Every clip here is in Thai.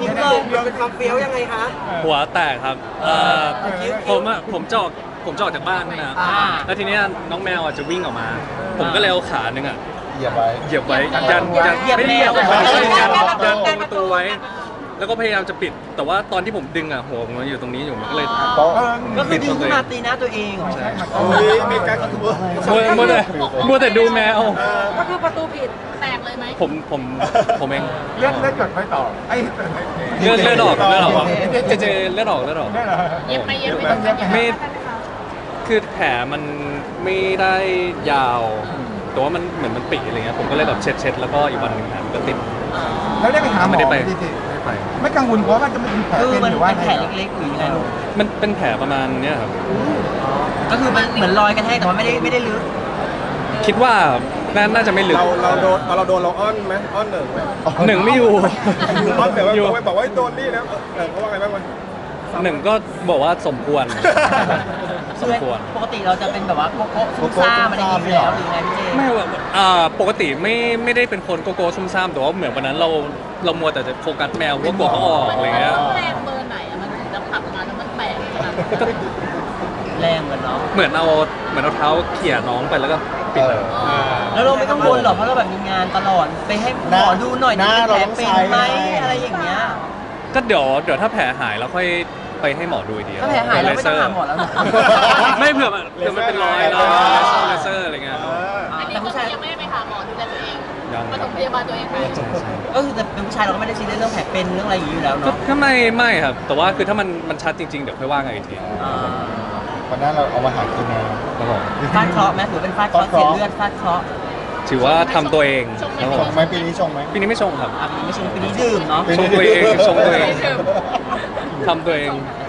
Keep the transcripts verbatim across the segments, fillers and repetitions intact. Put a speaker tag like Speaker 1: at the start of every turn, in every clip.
Speaker 1: ทิ้งเลยเป็นความเฟี้ยวยังไงคะ
Speaker 2: หัวแตกครับเอ่อผมอะผมจะออกผมจะออกจากบ้านนี่นะ
Speaker 1: อ่า
Speaker 2: แล้วทีเนี้ยน้องแมวอ่ะจะวิ่งออกมา ผมก็เลยเอาขาหนึ่งอ่ะ
Speaker 3: เหยียบไว้
Speaker 2: เหยียบไว้ยันยัน
Speaker 1: เหยียบ
Speaker 2: ไม่ได้เหยียบ
Speaker 1: แมว
Speaker 2: ไม่ได้เหยียบ
Speaker 1: เหยียบ
Speaker 2: ยันตรงประตูไว้ แล้วก็พยายามจะปิด แต่ว่าตอนที่ผมดึงอ่ะหัวผมมันอยู่ตรงนี้อยู่มันก็เลย
Speaker 3: โต๊ะ
Speaker 1: ก็คือดึงขึ้นมาตีหน้าตัวเองเหรอ
Speaker 2: ใช่
Speaker 3: โอ้ยมีการกระตุ้น
Speaker 2: มัวมัวแต่มัวแต่ดูแมว
Speaker 4: ก็คือประตูปิดแตกเลยไหม
Speaker 2: ผมผมผมเอง
Speaker 5: เลือดเลือดหยดไม่ต่อไอ้
Speaker 2: เลือดเลือดออกเลือดออกเจเจเลือดออกเลือดออก
Speaker 5: เลือดเหรอ
Speaker 4: เย็บไปเย็บไปตรงนั้น
Speaker 2: ไม่ คือแผลมันไม่ได้ยาว แต่ว่ามันเหมือนมันปิอะไรเงี้ย ผมก็เลยแบบเช็ดเช็ดแล้วก็อีกวันหนึ่งมันก็ติด
Speaker 5: แล้วได้ไปหาหมอ
Speaker 2: ไม่ได้ไป
Speaker 5: จริง
Speaker 2: ไม่ได้ไป
Speaker 5: ๆไม่กังวลเพราะว่าจะเป็นแผล
Speaker 1: คือ
Speaker 5: เป็น
Speaker 1: มัน
Speaker 5: หรือว่า
Speaker 1: เป็นแผลเล็กๆหรือยังไงลูก
Speaker 2: มันเป็นแผลประมาณเนี้ยครับ
Speaker 1: ก็คือมันเหมือนรอยกระแทกแต่ว่าไม่ได้ไม่ได้ลึก
Speaker 2: คิดว่าน่าน่าจะไม่ลึก
Speaker 6: เราเราโดนตอนเราโดนเราอ้อนไหมอ้อนหนึ่งไหม
Speaker 2: หนึ่งไม่อยู่
Speaker 6: อ้อนหนึ่ง
Speaker 2: อยู่
Speaker 6: ว่าบอกว่าโดนนี่นะเออเขาว่าไงบ้างวะ
Speaker 2: หนึ่งก็บอกว่าสมควร สม
Speaker 1: คือ
Speaker 2: ควร
Speaker 1: ปกติเราจะเป็นแบบว่าโกโก้ซุ่มซ่ามอะไรอย่างเงี้ยอยู่แล้วหรือไงพี่เจ
Speaker 2: ไม่ว่าอ่าปกติไม่ไม่ได้เป็นคนโกโก้ซุ่มซ่ามแต่ว่าเหมือนวันนั้นเราเรามัวแต่จะโฟกัสแมวเพราะว่ากลัวเขาออกอะไรเงี้ย
Speaker 4: แรงเบอร์ไหนอะมันถึงจะผลักมาแล้วมันแตกขนาดนั้น
Speaker 2: ก็
Speaker 1: แรงเหมือนเนาะ
Speaker 2: เหมือนเอาเหมือนเอาเท้าเขี่ยน้องไปแล้วก็ปิดเลย
Speaker 1: แล้วเราไม่กังวลหรอกเพราะเราแบบมีงานตลอดไปให้หมอดูหน่อย
Speaker 3: หน้า
Speaker 1: ดิ
Speaker 3: เรา
Speaker 1: แผล
Speaker 3: ต้อง
Speaker 1: เป็น
Speaker 3: ใช้
Speaker 1: ไหมอะไรอย่างเงี้ย
Speaker 2: ก็เดี๋ยวเดี๋ยวถ้าแผลหายแล้วค่อยไปให้หมอดูอีกที
Speaker 1: ถ้าแผลหายเราไม่ต้องหาหมอแล้วนะ
Speaker 2: ไม่เผื่อมันเผื่อมันเป็นรอยแล้วเลเซอร์อะไรเงี้ย
Speaker 4: อันนี้ก็คือยังไม่ได้ไปหาหมอดูแลตัวเอง
Speaker 2: ยัง
Speaker 4: ปฐมพยาบาลตัวเองไป
Speaker 2: ใช่ใช่
Speaker 1: ก็คือแต่เป็นผู้ชายเราก็ไม่ได้ซีเรียสเรื่องแผลเป็นเรื่องอะไรอย่างนี้อยู่แล้ว
Speaker 2: ก็
Speaker 1: เนาะ
Speaker 2: ก็ไม่ไม่ครับ แต่ว่าคือถ้ามันมันชัดจริงๆ เดี๋ยวค่อยว่ากันอีกที
Speaker 1: อ่า
Speaker 3: วันนั้นเราเอามาหากินแมว
Speaker 2: ครับผม
Speaker 1: ฟาดเคราะห์ไหมถือเป็นฟาดเคราะห์
Speaker 3: ฟาดเค
Speaker 1: เสีย
Speaker 3: ราะห์
Speaker 1: เลือดฟาดเคราะห์
Speaker 2: ถือว่าทำตัวเองครับผ
Speaker 3: ช
Speaker 2: ม
Speaker 3: งไหมปีนี้ชงไหม
Speaker 2: ปีนี้ไม่ชงครับ
Speaker 1: อ่ะปีนี้ไม่ใช่ปีนี้ดื่มเนาะ
Speaker 2: ชงตัวเองชงตัวเองทำตัวเอง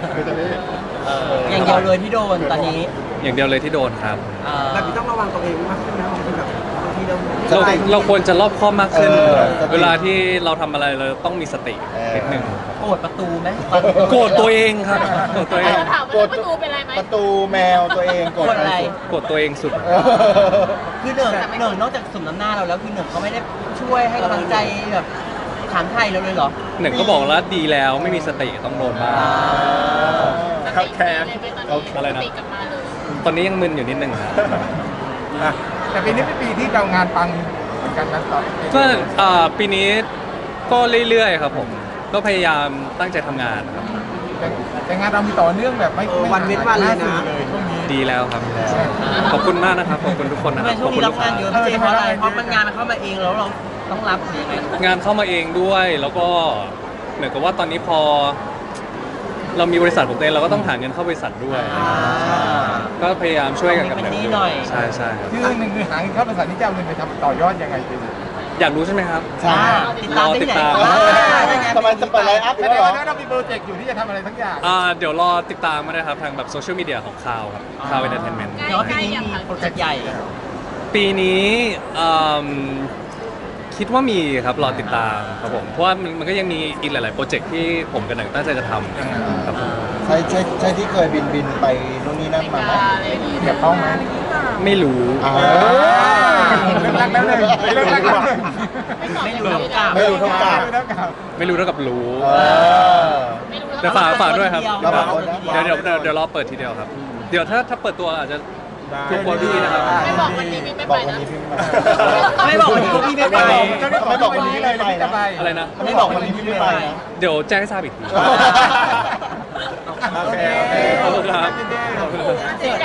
Speaker 1: อย่างเดียวเลยที่โดนตอนนี้
Speaker 2: อย่างเดียวเลยที่โดนครับ
Speaker 1: อ่า
Speaker 7: แบบนี้ต้องระวังตัวเองมากขึ้นนะบางทีแบบบางทีเรา
Speaker 2: เราเราควรจะรอบคอบมากขึ้น
Speaker 3: เออสติ
Speaker 2: เวลาที่เราทำอะไรเราต้องมีสติ
Speaker 3: เออ
Speaker 2: นิดนึง
Speaker 1: โกรธประตูไหม
Speaker 2: โกรธตัวเองครับโกรธตัวเอง
Speaker 4: เราถามว่าประตูเป็นไรไหม
Speaker 3: ประตูแมวตัวเอง
Speaker 1: โกรธอะไร
Speaker 2: โกรธตัวเองสุด
Speaker 3: เออ
Speaker 1: คือเหนึ่งเหนึ่งนอกจากสมน้ำหน้าเราแล้วคือเหนึ่งเขาไม่ได้ช่วยให้กำลังใจแบบถามไทยเราเลยเหรอ
Speaker 2: หนึ่งก็บอกแล้วดีแล้วไม่มีสติต้องโดนบ้าง
Speaker 4: สติเลยไปตอนนี้
Speaker 2: อะไรนะ
Speaker 4: สติกลับมาเลย
Speaker 2: ตอนนี้ยังมึนอยู่นิดนึงครับ
Speaker 5: อ่ะแต่ปีนี้เป็นปีที่เรางานปังเหมือนกันนะต่อ
Speaker 2: ก็อ่าปีนี้ก็เรื่อยๆครับผม ก็พยายามตั้งใจทำงานครับ
Speaker 5: แต่แต่งานเรามีต่อเนื่องแบบไม่
Speaker 7: เออวันเว้นวันเลยนะ
Speaker 5: เลยช่วงนี้
Speaker 2: ดีแล้วครับ ขอบคุณมากนะครับ ขอบคุณทุกคน
Speaker 1: ทำ
Speaker 2: นะ
Speaker 1: ไม
Speaker 2: ครับ
Speaker 1: ช่ว
Speaker 2: ข
Speaker 1: ง
Speaker 2: อบ
Speaker 1: นี้
Speaker 2: คุณ
Speaker 1: รั
Speaker 2: ลู
Speaker 1: บ
Speaker 2: กค้าง
Speaker 1: านเยอะพี่เจเพราะอะไรเพราะมันงานมันเข้ามาเองแล้วเราต้องรับหรือยังไง
Speaker 2: งานเข้ามาเองด้วย แล้วก็เหมือนกับว่าตอนนี้พอ เรามีบริษัทของตัวเองเราก็ต้องหาเงินเข้าบริษัทด้วย
Speaker 1: อ่า
Speaker 2: ก็พยายามช่วยกันกับ
Speaker 1: เป็น
Speaker 2: เด็ก
Speaker 1: หนี้หน่อย
Speaker 2: ใช่ใช่ครับ
Speaker 5: ชื่อหนึ่งคือหาเงินเข้าบริษัทนี้จะเอาเงินไปทำต่อยอดยังไงดี
Speaker 2: อยากรู้ใช่ไหมครับ
Speaker 3: ใช่
Speaker 1: อ่าติดตามได้ที่ไหน
Speaker 2: รอติดตาม
Speaker 1: อ่าได้ไง
Speaker 3: ทำไมจะเปิดไลน์อัพ
Speaker 5: แส
Speaker 3: แล้ว
Speaker 5: ดง
Speaker 3: เหรอ
Speaker 5: ว่าเรามีโปรเจกต์อยู่ที่จะทำอะไรทั้งอย่าง
Speaker 2: อ่าเดี๋ยวรอติดตามมานะครับทางแบบโซเชียลมีเดียของคาวครับคาวเอนเตอร์เทนเมนต์
Speaker 1: แต่ว่าปีนี้มีโปรเจกต์ใหญ่
Speaker 2: ปีนี้อืมคิดว่ามีครับรอติดตามครับผมเพราะว่ามันมันก็ยังมีอีกหลาย ๆ โปรเจกต์ที่ผมกับหนังตั้งใจจะทำครับผม
Speaker 3: ใช่ใช่ใช่ที่เคยบินบินไปนู่นนี่นั่นมาไหม
Speaker 5: เกี่ยวข้องไหม
Speaker 2: ไม่รู้
Speaker 3: อ่า
Speaker 5: เรื่องรักแล้วเลยเรื่องรักแล้วเลย
Speaker 1: ไม่รู้เท่ากับ
Speaker 3: ไม่รู้เท่ากับ
Speaker 5: ไม่รู้เท่ากับ
Speaker 2: ไม่รู้เท่ากับรู้
Speaker 3: เออ
Speaker 4: ไม่รู้
Speaker 2: แต่ฝากฝากด้วยครับ
Speaker 3: เราฝากคนนะ
Speaker 2: เดี๋ยวเดี๋ยวเดี๋ยวเดี๋ยวรอเปิดทีเดียวครับ เดี๋ยวถ้าถ้าเปิดตัวอาจจะทุกคนพี่นะครับ
Speaker 4: ไม่บอกวันนี้ไม่
Speaker 3: บ
Speaker 4: ไป
Speaker 3: อกวัน
Speaker 4: นะ
Speaker 3: นี้พี่
Speaker 1: ไม่บอกวันนี้พวกพี่ไม่ไป
Speaker 3: ไม่บอกวันนี้ไม่ไปนะ
Speaker 2: อะไรนะ
Speaker 1: ไม่บอกวันนี้พี่ไม่ไปนะ
Speaker 2: เดี๋ยวแจ้งให้ทราบอีกที
Speaker 3: โอเคโอเค
Speaker 2: ขอบคุณครับ
Speaker 5: ยินดี